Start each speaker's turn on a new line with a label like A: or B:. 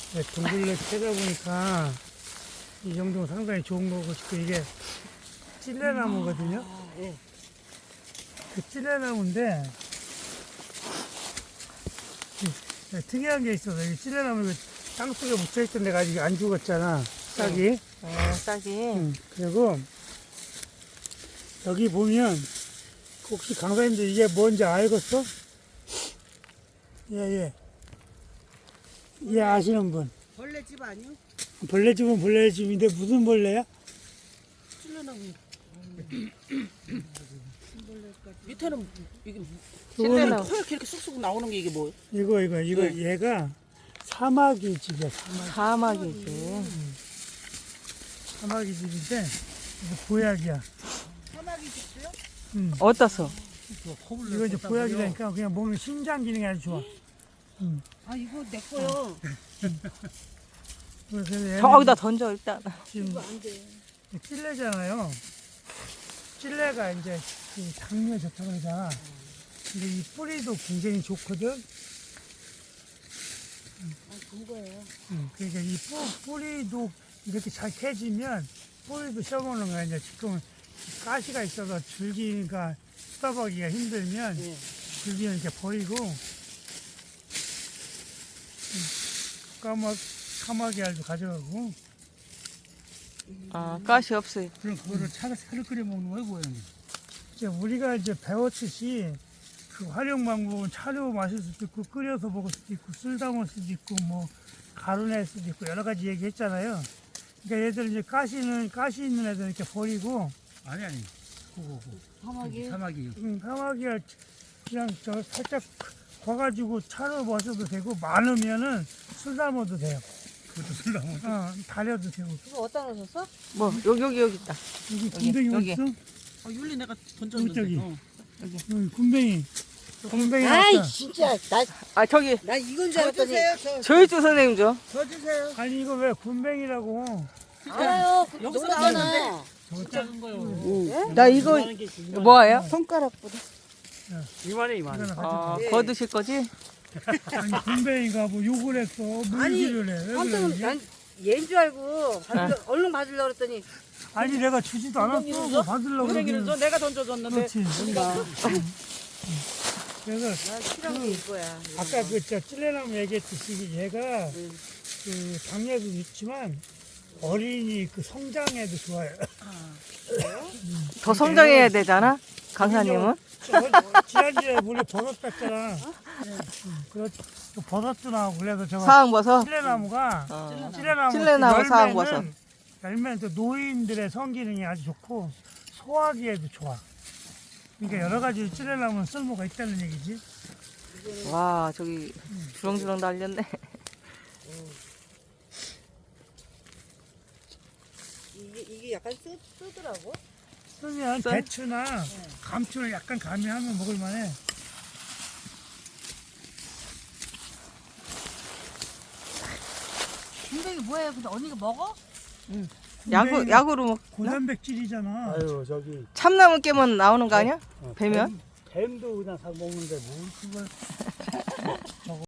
A: 둥글레 캐다 보니까 이 정도면 상당히 좋은 거고, 이게 찔레나무거든요.
B: 예.
A: 그 찔레나무인데 특이한 게 있어서, 이 찔레나무 땅속에 묻혀있던 데가 아직 안 죽었잖아, 싹이.
B: 싹이.
A: 그리고 여기 보면 혹시 강사님들 이게 뭔지 알겠어? 예. 예, 아시는 분.
C: 벌레집 아니요?
A: 벌레집은 벌레집인데 무슨 벌레야?
C: 찔러나고. 밑에는 이게
B: 찔레나무.
C: 허옇게 이렇게 쑥쑥 나오는 게 이게 뭐예요?
A: 이거
C: 네.
A: 얘가 사마귀 집이야.
B: 사막이지.
A: 사마귀 집인데 이거 보약이야.
C: 사마귀 집도요?
B: 어떠서?
A: 이거 이제 보약이라니까 그냥 먹는 신장 기능이 아주 좋아.
C: 아 이거 내 거요.
A: 그래서 얘는
B: 저기다 던져 일단.
A: 지금
C: 안 돼.
A: 찔레잖아요. 찔레가 이제 그 당뇨에 좋다고 그러잖아. 근데 이 뿌리도 굉장히 좋거든.
C: 아 그거예요.
A: 그러니까 이 뿌리도 이렇게 잘 캐지면 뿌리도 씌워먹는 거야. 이제 지금은 가시가 있어서 줄기가 뜯어보기가 힘들면
C: 예.
A: 줄기는 이렇게 버리고 까마귀 알도 가져가고
B: 아, 가시 없어요.
A: 그럼 그거를 차를 끓여 먹는 거예요, 고양이. 이제 우리가 이제 배웠듯이 그 활용 방법은 차로 마실 수도 있고 끓여서 먹을 수도 있고 쓸 담을 수도 있고 뭐 가루 낼 수도 있고 여러 가지 얘기했잖아요. 그러니까 얘들 이제 가시 있는 애들 이렇게 버리고
D: 아니 그거
C: 사마귀.
D: 사마귀
A: 까마귀가 그냥 저 살짝 과가지고 차로 마셔도 되고 많으면은 술 담아도 돼요.
D: 그것도 쓸라고
A: 달여도 되고.
C: 그거 어디다 놓으셨어?
B: 뭐 여기 있다.
A: 여기 군뱅이
B: 여기.
A: 어딨어?
C: 아 율리 내가 던졌는데.
A: 저기.
C: 어.
A: 여기 군뱅이. 군뱅이
E: 아이
A: 왔다.
E: 진짜
B: 아 저기
E: 나 이건 줄
C: 저
E: 알았더니
C: 주세요.
B: 조일주 선생님 줘.
C: 저 주세요.
A: 아니 이거 왜 군뱅이라고?
E: 알아요.
C: 여기서
E: 놀랐잖아.
A: 저거
C: 작은 거요.
B: 나 이거 뭐예요?
E: 손가락보다.
A: 이거는 가져가.
B: 아, 거두실 거지?
A: 아니 군뱅이가 뭐 욕을 했어. 물기를 해. 왜
E: 깜짝
A: 그러지?
E: 난 얘인 줄 알고 얼른 받으려고 그랬더니
A: 아니 내가 주지도 않았어. 뭐 받으려고
C: 고랭이는 저
A: 그러길래.
C: 내가 던져줬는데.
A: 그렇지. 그래서
E: 난 필요한 게 이거야.
A: 아까 저 찔레나무 얘기했듯이 얘가 그 당뇨도 있지만 어린이 그 성장에도 좋아요.
B: 더 성장해야 되잖아. 강사님은?
A: 지난주에 우리 버섯 땄잖아. 그렇지. 그 버섯도 나오고 그래서 저거
B: 사항버섯.
A: 찔레나무가
B: 어.
A: 찔레나무
B: 찔레나무, 사항버섯.
A: 열매는 또 노인들의 성기능이 아주 좋고 소화기에도 좋아. 그러니까 여러 가지 찔레나무는 쓸모가 있다는 얘기지.
B: 와 저기 주렁주렁 달렸네.
E: 이게 약간 쓰더라고.
A: 쓰면
B: 써?
A: 배추나 감추를 약간 가미하면 먹을만해.
E: 군뱅이 뭐예요? 근데 언니가 먹어?
B: 약으로 먹.
A: 고단백질이잖아.
D: 아유 저기
B: 참나무 깨면 나오는 거 아니야? 배면?
A: 뱀도 그냥 다 먹는데 뭘 그걸